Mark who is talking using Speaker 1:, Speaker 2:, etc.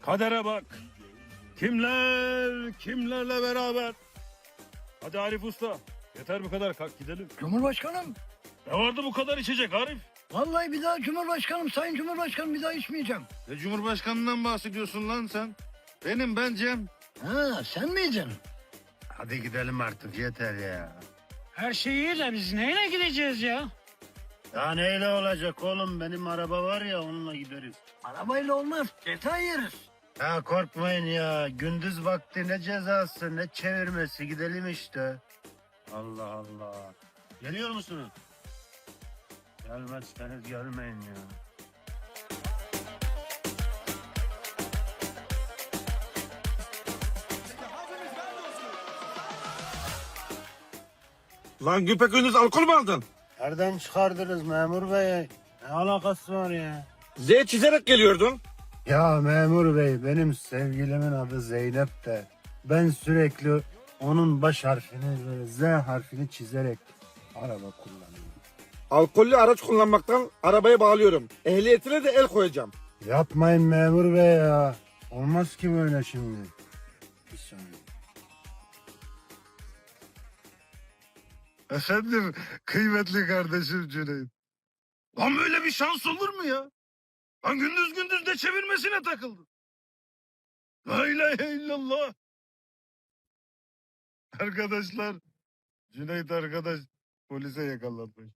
Speaker 1: Kadere bak. Kimler kimlerle beraber. Hadi Arif Usta. Yeter bu kadar, kalk gidelim.
Speaker 2: Cumhurbaşkanım,
Speaker 1: Ne vardı bu kadar içecek Arif?
Speaker 2: vallahi bir daha Cumhurbaşkanım, Sayın Cumhurbaşkanım bir daha içmeyeceğim.
Speaker 3: Ne Cumhurbaşkanından bahsediyorsun lan sen? Ben Cem.
Speaker 2: Ha, sen miydin?
Speaker 3: Hadi gidelim artık yeter ya.
Speaker 4: Her şey iyi de biz neyle gideceğiz ya?
Speaker 3: Ya neyle olacak oğlum, benim araba var ya, onunla gideriz.
Speaker 2: Arabayla olmaz, ceza yeriz.
Speaker 3: Ya korkmayın ya, gündüz vakti ne cezası ne çevirmesi, gidelim işte. Allah Allah. Geliyor musunuz? Gelmezseniz gelmeyin ya.
Speaker 5: Lan güpegündüz alkol mü aldın?
Speaker 3: Nereden çıkardınız memur bey? Ne alakası var ya?
Speaker 5: Z çizerek geliyordun.
Speaker 3: Ya memur bey, benim sevgilimin adı Zeynep de. Ben sürekli onun baş harfini ve Z harfini çizerek araba kullanıyorum.
Speaker 5: Alkollü araç kullanmaktan arabayı bağlıyorum. Ehliyetine de el koyacağım.
Speaker 3: Yapmayın memur bey ya. Olmaz ki böyle şimdi. Bir saniye.
Speaker 1: Efendim kıymetli kardeşim Cüneyt. Lan böyle bir şans olur mu ya? Lan gündüz gündüz de çevirmesine takıldı. La ilahe illallah. Arkadaşlar, Cüneyt arkadaş polise yakalanmış.